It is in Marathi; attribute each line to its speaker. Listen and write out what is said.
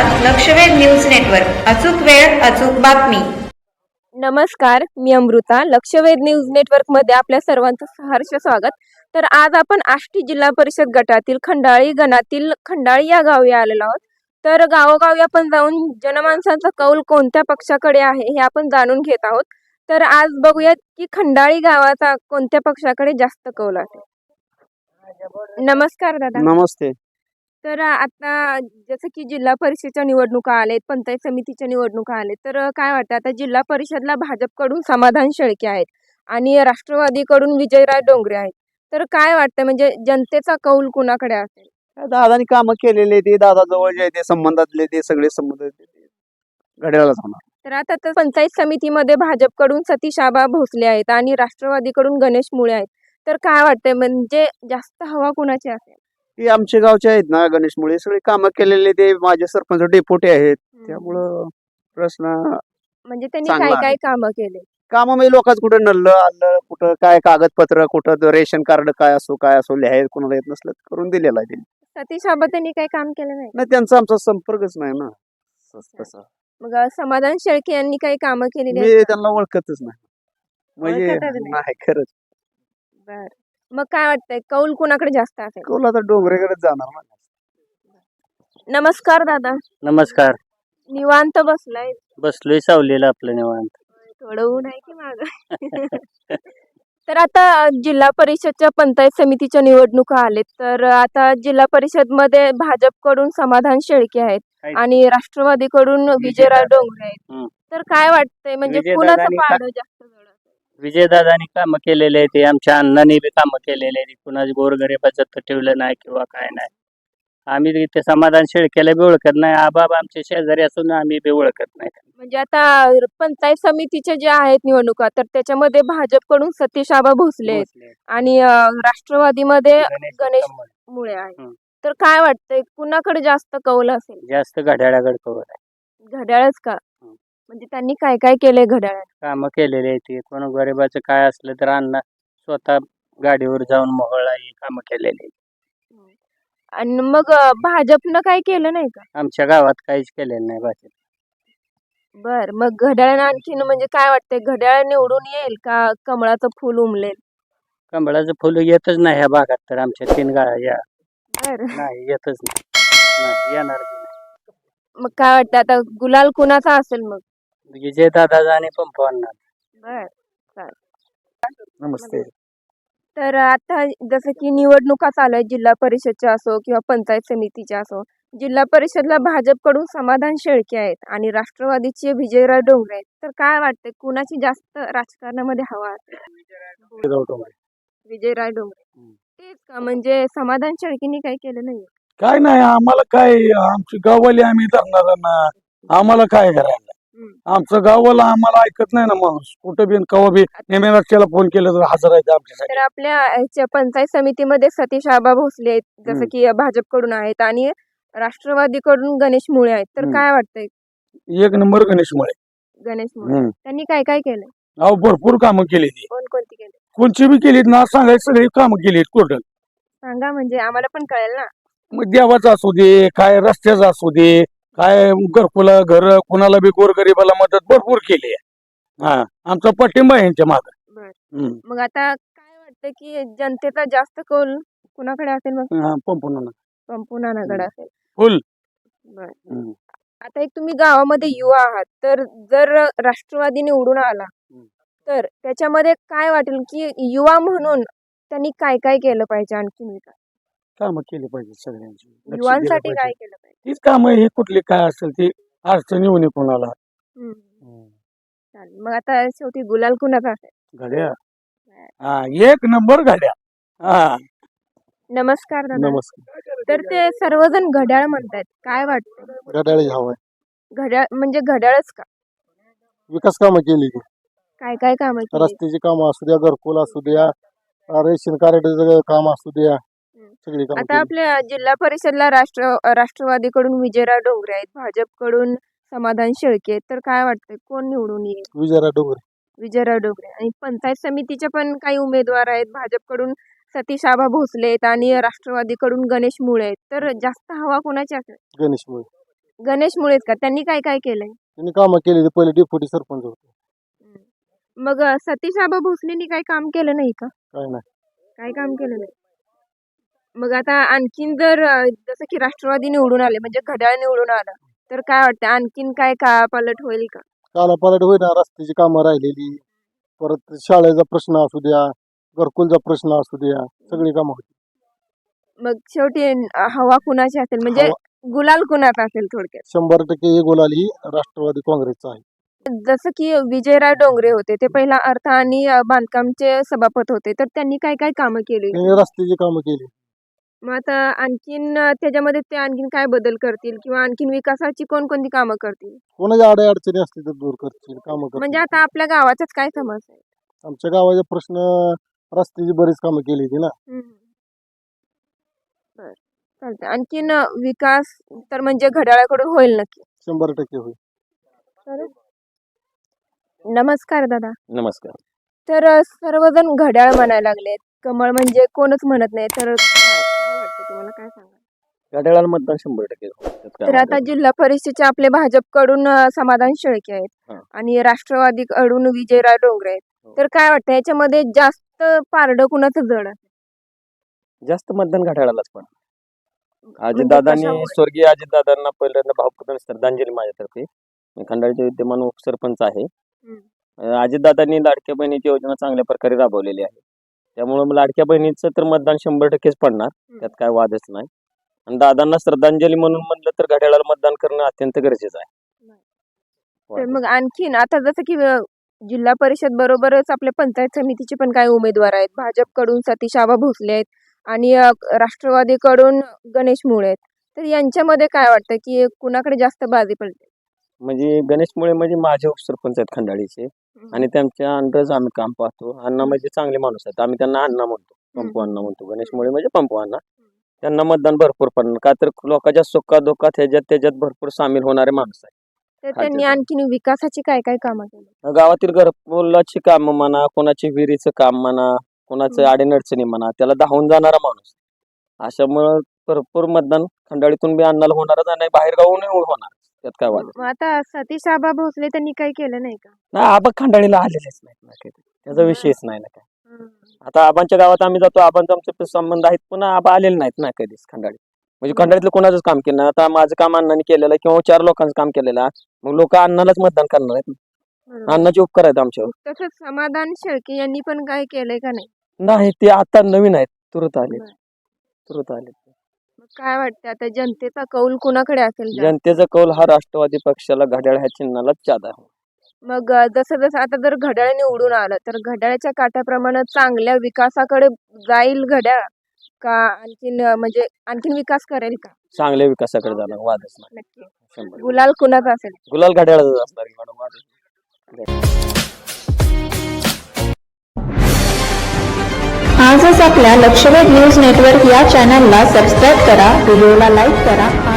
Speaker 1: लक्षवेध न्यूज नेटवर्क. अचूक वेळ अचूक बातमी.
Speaker 2: नमस्कार, मी अमृता. लक्षवेध न्यूज नेटवर्कमध्ये आपल्या सर्वांचं सहर्ष स्वागत. तर आज आपण आष्टी जिल्हा परिषद गटातील खंडाळी गणातील खंडाळी या गावी आलेलो आहोत. तर गावोगावी आपण जाऊन जनमानसांचा कौल कोणत्या पक्षाकडे आहे हे आपण जाणून घेत आहोत. तर आज बघूयात की खंडाळी गावाचा कोणत्या पक्षाकडे जास्त कौल आहे. नमस्कार दादा.
Speaker 3: नमस्ते.
Speaker 2: तर आता जसं की जिल्हा परिषदेच्या निवडणुका आलेत, पंचायत समितीच्या निवडणुका आलेत, तर काय वाटतं आता जिल्हा परिषदला भाजपकडून समाधान शेळके आहेत आणि राष्ट्रवादीकडून विजयराय डोंगरे आहेत. तर काय वाटतं म्हणजे जनतेचा कौल कुणाकडे असेल?
Speaker 3: दादानी कामं केलेले ते दादा जवळ जे ते संबंधातले ते सगळे संबंध घड्याळाच होणार.
Speaker 2: तर आता तर पंचायत समितीमध्ये भाजपकडून सतीश आबा भोसले आहेत आणि राष्ट्रवादीकडून गणेश मुळे आहेत. तर काय वाटतंय म्हणजे जास्त हवा कुणाची असेल?
Speaker 3: ते आमच्या गावचे आहेत ना गणेश मुळे सगळे कामं केलेले ते माझे सरपंच डेपोटे आहेत. त्यामुळं प्रश्न
Speaker 2: म्हणजे त्यांनी
Speaker 3: चांगला
Speaker 2: काय
Speaker 3: आहे.
Speaker 2: काय कामं केले?
Speaker 3: कामं म्हणजे लोकांच कुठं नल्लं आलं कुठं काय कागदपत्र कुठं रेशन कार्ड काय असो लिहायला कोणाला येत नसलं तर करून दिलेलं आहे त्यांनी.
Speaker 2: सतीश आबा त्यांनी काही काम केलं नाही?
Speaker 3: नाही त्यांचा आमचा संपर्कच नाही ना तसा.
Speaker 2: मग समाधान शेळके यांनी काही कामं केलेली
Speaker 3: मी
Speaker 2: आहेत का?
Speaker 3: त्यांना ओळखतच नाही म्हणजे
Speaker 2: ओळखतच नाही.
Speaker 3: नाही खरंच.
Speaker 2: बर, मग काय वाटतंय कौल कुणाकडे जास्त असेल?
Speaker 3: कोण आता डोंगरेकडे जाणार ना.
Speaker 2: नमस्कार दादा.
Speaker 4: नमस्कार.
Speaker 2: निवांत बसलाय?
Speaker 4: बसलोय सावलीला आपलं निवांत.
Speaker 2: थोडं ऊन आहे की माग? तर आता जिल्हा परिषदच्या पंचायत समितीच्या निवडणुका आलेत. तर आता जिल्हा परिषद मध्ये भाजपकडून समाधान शेळके आहेत आणि राष्ट्रवादीकडून विजयराव डोंगरे आहेत.
Speaker 4: हम्म.
Speaker 2: तर काय वाटतंय म्हणजे कुणाचं
Speaker 4: विजयदादांनी
Speaker 2: पारडं जास्त जड असेल?
Speaker 4: विजयदादांनी कामं केलेले आहे ते आमच्या अण्णांनी बी कामं केलेले आहे. कुणाची गोरगरिबाचं ठेवलं नाही किंवा काय नाही. आम्ही इथे समाधान शेळकेला बी ओळखत नाही. आबाब आमचे शेजारी असून आम्ही बी ओळखत नाही.
Speaker 2: म्हणजे आता पंचायत समितीच्या ज्या आहेत निवडणुका तर त्याच्यामध्ये भाजपकडून सतीश आबा भोसले आहेत
Speaker 4: भोसले,
Speaker 2: आणि राष्ट्रवादीमध्ये गणेश
Speaker 4: कम्मल.
Speaker 2: मुळे आहे.
Speaker 4: हम्म.
Speaker 2: तर काय वाटतंय कुणाकडे जास्त कौल असेल?
Speaker 4: जास्त घड्याळाकडे कौल आहे.
Speaker 2: घड्याळच का? म्हणजे त्यांनी काय काय केलंय घड्याळात?
Speaker 4: कामं केलेले आहे ते. कोण गरिबाचं काय असलं तर अण्णा स्वतः गाडीवर जाऊन मोहळा ही कामं केलेली आहेत.
Speaker 2: आणि मग भाजपनं काय केलं नाही का?
Speaker 4: आमच्या गावात काहीच केलेलं नाही भाजप.
Speaker 2: बर, मग घड्याळ आणखीन म्हणजे काय वाटतंय घड्याळ निवडून येईल का कमळाचं फुल उमलेल?
Speaker 4: कमळाचं फुलं येतच नाही ह्या भागात तर आमच्या 3 गाळ्या
Speaker 2: बर,
Speaker 4: नाही येतच नाही. नाही येणार बी नाही.
Speaker 2: मग काय वाटतं आता गुलाल कुणाचा असेल मग?
Speaker 4: विजय दादा आणि पंप आणणार.
Speaker 2: बर, चालेल.
Speaker 3: नमस्ते.
Speaker 2: तर आता जसं की निवडणुका चालू आहेत जिल्हा परिषदच्या असो किंवा पंचायत समितीच्या असो. जिल्हा परिषदला भाजपकडून समाधान शेळके आहेत आणि राष्ट्रवादीचे विजयराव डोंगरे आहेत. तर काय वाटतंय कुणाची जास्त राजकारणामध्ये हवा असेल? विजयराव डोंगरे. तेच का म्हणजे समाधान शेळकेंनी काही केलं नाही?
Speaker 5: काय नाही आम्हाला काय आमची गाववाली आम्ही धरणार ना. आम्हाला काय करायला आमचं गाववाला आम्हाला ऐकत नाही ना माणूस कुठं बी कवा बी नेमेला फोन केलं तर हजर आहे आमच्यासाठी.
Speaker 2: तर आपल्या ह्याच्या पंचायत समितीमध्ये सतीश आबा भोसले आहेत जसं की भाजपकडून आहेत आणि राष्ट्रवादीकडून गणेश मुळे आहेत. तर काय वाटतंय?
Speaker 5: एक नंबर गणेश मुळे.
Speaker 2: गणेश मुळे त्यांनी काय काय केलं?
Speaker 5: अहो भरपूर कामं केली ती
Speaker 2: कोणती केली
Speaker 5: कोणची बी केलीत ना सांगायची सगळी कामं केलीत टोटल.
Speaker 2: सांगा म्हणजे आम्हाला पण कळेल ना.
Speaker 5: मग देवाचं असू दे काय रस्त्याचं असू दे काय घरकुला घर कुणाला बी गोरगरिबाला मदत भरपूर केली आहे. हा आमचा पाठिंबा आहे यांच्या माग.
Speaker 2: मग आता काय वाटतं की जनतेचा जास्त कौल कुणाकडे असेल? मग पंपुनानाकडे असेल.
Speaker 5: फुल.
Speaker 2: बर, आता एक तुम्ही गावामध्ये युवा आहात तर जर राष्ट्रवादी निवडून आला तर त्याच्यामध्ये काय वाटेल की युवा म्हणून त्यांनी काय काय केलं पाहिजे आणखी?
Speaker 5: कामं केली पाहिजे सगळ्यांची. लक्ष दिलं
Speaker 2: युवांसाठी
Speaker 5: पाहिजे.
Speaker 2: काय केलं पाहिजे?
Speaker 5: तीच कामं ही कुठली काय असेल ती अडचण येऊ नये कोणाला.
Speaker 2: चालेल. मग आता शेवटी गुलाल कुणाचा असेल?
Speaker 5: घड्या हा एक नंबर घड्या. हा
Speaker 2: नमस्कार दादा.
Speaker 5: नमस्कार.
Speaker 2: तर ते सर्वजण घड्याळ म्हणतात, काय वाटतं?
Speaker 5: घड्याळ हवाय.
Speaker 2: घड्याळ म्हणजे घड्याळच का?
Speaker 5: विकास कामं केली ती.
Speaker 2: काय काय कामं केली?
Speaker 5: रस्त्याची कामं असू द्या घरकुल असू द्या रेशन कार्डाचं काम असू द्या सगळी कामं
Speaker 2: आता
Speaker 5: केली.
Speaker 2: आपल्या जिल्हा परिषदला राष्ट्रवादीकडून विजयराव डोंगरे आहेत, भाजपकडून समाधान शेळके आहेत. तर काय वाटतंय कोण निवडून येईल?
Speaker 5: विजयराव डोंगरे.
Speaker 2: विजयराव डोंगरे. आणि पंचायत समितीचे पण काही उमेदवार आहेत. भाजपकडून सतीश आबा भोसले आहेत आणि राष्ट्रवादीकडून गणेश मुळे आहेत. तर जास्त हवा कोणाची असेल?
Speaker 5: गणेश मुळे.
Speaker 2: गणेश मुळेच का त्यांनी काय काय केलंय?
Speaker 6: त्यांनी कामं केलेली, पहिले डेप्युटी सरपंच होते.
Speaker 2: मग सतीश आबा भोसलेंनी काही काम केलं नाही का?
Speaker 6: काय नाही.
Speaker 2: काय काम केलं नाही. मग आता आणखीन जर जसं की राष्ट्रवादी निवडून आले म्हणजे घड्याळ निवडून आलं तर काय वाटतं आणखीन काय काळापालट होईल का?
Speaker 6: कालापालट होईना, रस्त्याची कामं राहिलेली, परत शाळेचा प्रश्न असू द्या, घरकुलचा प्रश्न असू द्या, सगळी कामं होती.
Speaker 2: मग शेवटी हवा कुणाची असेल म्हणजे गुलाल कुणाचा असेल थोडक्यात?
Speaker 6: 100% ही गोलाल ही राष्ट्रवादी काँग्रेसचा आहे.
Speaker 2: जसं की विजयराव डोंगरे होते ते पहिला अर्थ आणि बांधकामचे सभापती होते तर त्यांनी काय काय कामं केली?
Speaker 6: त्यांनी रस्त्याची कामं केली.
Speaker 2: मग आता आणखीन त्याच्यामध्ये ते आणखीन काय बदल करतील किंवा आणखीन विकासाची कोणकोणती कामं करतील?
Speaker 6: कोणाच्या अडचणी असतील तर दूर करतील, कामं करतील.
Speaker 2: म्हणजे आता आपल्या गावाचाच काय समस्या आहे?
Speaker 6: आमच्या गावाचे प्रश्न, रस्त्याची बरीच कामं केली होती ना.
Speaker 2: बर चालतंय. आणखीन विकास तर म्हणजे घड्याळाकडून होईल नक्की.
Speaker 6: 100% होईल.
Speaker 2: नमस्कार दादा.
Speaker 7: नमस्कार.
Speaker 2: तर सर्वजण घड्याळ म्हणायला लागलेत, कमळ म्हणजे कोणच म्हणत नाही तर काय वाटतं तुम्हाला, काय सांगा?
Speaker 7: घड्याळाला मतदान 100% होईल. त्यात काय
Speaker 2: तर आता
Speaker 7: वादच
Speaker 2: जिल्हा परिषदेचे आपले भाजपकडून समाधान शेळके आहेत
Speaker 7: हां.
Speaker 2: आणि राष्ट्रवादीकडून विजयराव डोंगरे आहेत.
Speaker 7: हो.
Speaker 2: तर काय वाटतं याच्यामध्ये जास्त पारडं कुणाचं जड आहे?
Speaker 7: नाही. जास्त मतदान घड्याळालाच पण.
Speaker 2: म्हणजे
Speaker 7: अजितदादांनी,
Speaker 2: कशामुळे?
Speaker 7: स्वर्गीय अजितदादांना पहिल्यांदा भावपूर्ण श्रद्धांजली माझ्यातर्फे. मी खंडाळीचे विद्यमान उपसरपंच आहे. अजितदादांनी लाडक्या बहिणीची योजना चांगल्या प्रकारे राबवलेली आहे. त्यामुळे लाडक्या बहिणीचं तर मतदान 100%च पडणार, त्यात काय वादच नाही. आणि दादांना श्रद्धांजली म्हणून म्हणलं तर घड्याळाला मतदान करणं अत्यंत गरजेचं आहे.
Speaker 2: तर मग आणखीन आता जसं की जिल्हा परिषद बरोबरच आपल्या पंचायत समितीचे पण काही उमेदवार आहेत. भाजपकडून सतीश आबा भोसले आहेत आणि राष्ट्रवादीकडून गणेश मुळे आहेत. तर यांच्यामध्ये काय वाटतं की कुणाकडे जास्त बाजी पडते?
Speaker 7: म्हणजे गणेश मुळे म्हणजे माझे उपसरपंच आहेत खंडाळीचे आणि त्यांच्या अंडरच आम्ही काम पाहतो. अण्णा म्हणजे चांगले माणूस आहेत, आम्ही त्यांना अण्णा म्हणतो, पंपू अण्णा म्हणतो. गणेश मुळे म्हणजे पंपू अण्णा. त्यांना मतदान भरपूर पडणार, का तर लोकांच्या सुखात दुःखात त्याच्यात भरपूर सामील होणारे माणूस आहेत.
Speaker 2: तर त्यांनी आणखीन विकासाची काय काय कामं केली?
Speaker 7: गावातील घरकुलाची काम म्हणा, कोणाची विहिरीचं काम म्हणा, कोणाचं अडीनडचणी म्हणा, त्याला धावून जाणारा माणूस. अशामुळं भरपूर मतदान खंडाळीतून बी अन्नाला होणारच आणि बाहेर गावून होणार, त्यात काय वाद
Speaker 2: मग आता सतीश आबा भोसले त्यांनी काही केलं नाही का?
Speaker 7: नाही. आबा खंडाळीला आलेलेच नाहीत ना, काही त्याचा विषयच नाही ना काय. आता आबांच्या गावात आम्ही जातो, आबांचा आमचे संबंध आहेत, पुन्हा आबा आलेले नाहीत ना कधीच खंडाळीत. म्हणजे खंडाळीतलं कोणाचंच काम केलं नाही. आता माझं काम अण्णांनी केलेलं आहे किंवा 4 लोकांचं काम केलेलं आहे, मग लोक अण्णालाच मतदान करणार आहेत. अण्णाचे उपकार आहेत आमच्यावर.
Speaker 2: तसंच समाधान शेळके यांनी पण काय केलंय का नाही?
Speaker 7: नाही, ते आता नवीन आहेत, तुरंत आले.
Speaker 2: मग काय वाटतं आता जनतेचा कौल कुणाकडे असेल जास्त?
Speaker 7: जनतेचा कौल हा राष्ट्रवादी पक्षाला घड्याळ ह्या चिन्हालाच ज्यादा आहे.
Speaker 2: मग जसं जसं आता जर घड्याळ निवडून आलं तर घड्याळाच्या काट्याप्रमाणे चांगल्या विकासाकडे जाईल घड्याळ का म्हणजे आणखीन विकास करेल का?
Speaker 7: चांगल्या विकासाकडे जाणार, वादच नाही.
Speaker 2: नक्की
Speaker 7: 100%.
Speaker 2: गुलाल कुणाचा असेल?
Speaker 7: गुलाल घड्याळाचा असणार मॅडम, वादच नाही.
Speaker 1: आजच आपल्या लक्षवेध न्यूज नेटवर्क या चॅनलला सबस्क्राईब करा, व्हिडिओला लाईक करा